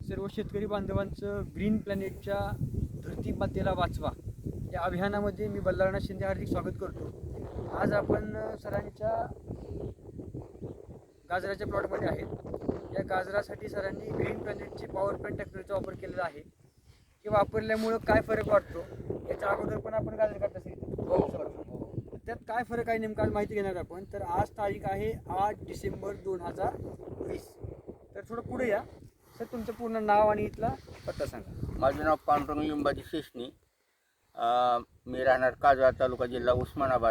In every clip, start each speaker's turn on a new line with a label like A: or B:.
A: सर्व शेतकरी बांधवांचं ग्रीन प्लॅनेटच्या धरती मातेला वाचवा या अभियानामध्ये मी बल्लाळनाथ शिंदे हार्दिक स्वागत करतो. आज आपण सरांच्या गाजराच्या प्लॉटमध्ये आहेत. या गाजरासाठी सरांनी ग्रीन प्लॅनेटची पॉवर प्लॅन्ट टेक्नॉलॉजीचा वापर केलेला आहे. हे वापरल्यामुळं काय फरक वाटतो याच्या अगोदर पण आपण गाजर करत असेल त्यात काय फरक आहे नेमका माहिती घेणार आपण. तर आज तारीख आहे 8 डिसेंबर 2020. तर थोडं पुढे या सर, तुमचं पूर्ण नाव आणि इथला पत्ता सांगा.
B: माझं नाव पांडुरंग लिंबाजी शेषणी. मी राहणार काजळा, तालुका, जिल्हा उस्मानाबाद.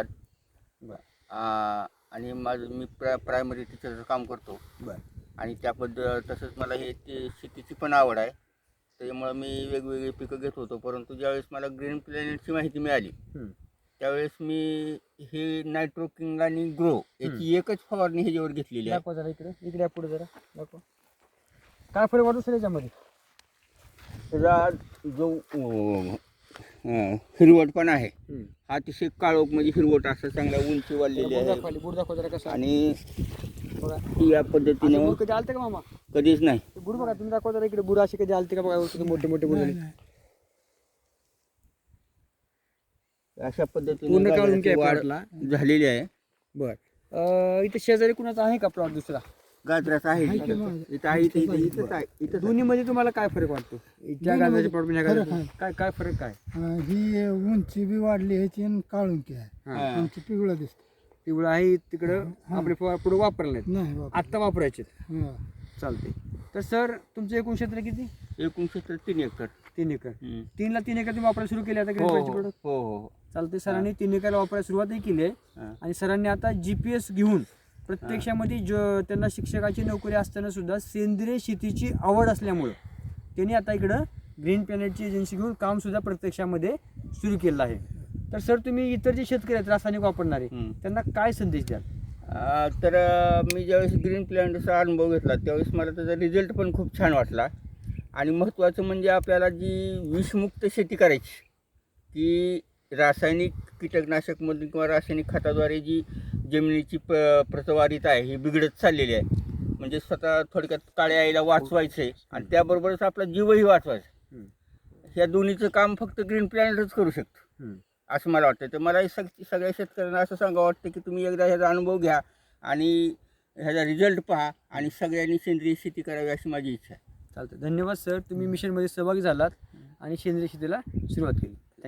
B: आणि मी प्रायमरी टीचरचं काम करतो. आणि त्याबद्दल तसंच मला शेतीची पण आवड आहे. त्यामुळं मी वेगवेगळी पिकं घेत होतो. परंतु ज्यावेळेस मला ग्रीन प्लॅनेटची माहिती मिळाली त्यावेळेस मी हे नायट्रो किंग आणि ग्रो याची एकच फवारणी ह्याच्यावर घेतलेली आहे.
A: दाखवा जरा इकडे पुढे जरा दाखवा. काय फरक वाटतो सर याच्यामध्ये?
B: त्याचा जो हिरवटपणा आहे हा अतिशय काळोख म्हणजे हिरवट असं चांगला उंची वाढलेली आहे.
A: बुड दाखवा जरा कसं.
B: आणि
A: बघा
B: या पद्धतीने
A: बुड कधी आलते का मामा?
B: कधीच नाही.
A: बुड बघा तुम्ही दाखवा जरा इकडे. बुड असे कधी आलते का बघा, मोठे मोठे बुड
B: अशा
A: पूर्ण
B: पद्धतीने
A: काढून
B: गाजराची वाढ झालेली आहे.
A: बर इथे शेजारी कुणाचा आहे का प्लॉट दुसरा?
B: गाजराचा आहे इथं आहे, इथंच आहे. इथं
A: दोन्ही मध्ये तुम्हाला काय फरक वाटतो? त्या गाजराच्या प्लॉट मध्ये काय फरक काय?
C: ही उंची बी वाढली ह्याची आणि काळुंकी आहे. उंची पिवळा दिसते.
A: पिवळा आहे तिकडं आपले पुढे वापरले
C: नाही
A: आत्ता वापरायचे.
C: हा.
A: चालते. तर सर तुमचं एकूण क्षेत्र किती?
B: एकूण क्षेत्र 3 एकर.
A: 3 एकर. 3 एकर तुम्ही वापरायला सुरू केले आता
B: हो
A: ग्रीन
B: हो
A: प्लॅनेटचे प्रोडक्ट?
B: हो.
A: चालते. सरांनी 3 एकरला वापरायला सुरुवातही केली आहे. आणि सरांनी आता GPS घेऊन प्रत्यक्षामध्ये त्यांना शिक्षकाची नोकरी असताना सुद्धा सेंद्रिय शेतीची आवड असल्यामुळं त्यांनी आता इकडं ग्रीन प्लॅनेटची एजन्सी घेऊन काम सुद्धा प्रत्यक्षामध्ये सुरू केलं आहे. तर सर तुम्ही इतर जे शेतकरी आहेत रासायनिक वापरणारे त्यांना काय संदेश द्याल?
B: तर मी ज्यावेळेस ग्रीन प्लॅनेटचा अनुभव घेतला त्यावेळेस मला त्याचा रिझल्ट पण खूप छान वाटला. आणि महत्त्वाचं म्हणजे आपल्याला जी विषमुक्त शेती करायची ती रासायनिक कीटकनाशकमधून किंवा रासायनिक खताद्वारे जी जमिनीची प्रतवारीता आहे ही बिघडत चाललेली आहे. म्हणजे स्वतः थोडक्यात काळ्या आईला वाचवायचं आहे आणि त्याबरोबरच आपला जीवही वाचवायचा. ह्या दोन्हीचं काम फक्त ग्रीन प्लॅनेटच करू शकतो असं मला वाटतं. तर मला सगळ्या शेतकऱ्यांना असं सांगावं वाटतं की तुम्ही एकदा ह्याचा अनुभव घ्या आणि ह्याचा रिझल्ट पहा आणि सगळ्यांनी सेंद्रिय शेती करावी अशी माझी इच्छा आहे.
A: चालतं. धन्यवाद सर, तुम्ही मिशनमध्ये सहभागी झालात आणि सेंद्रिय शेतीला सुरुवात केली.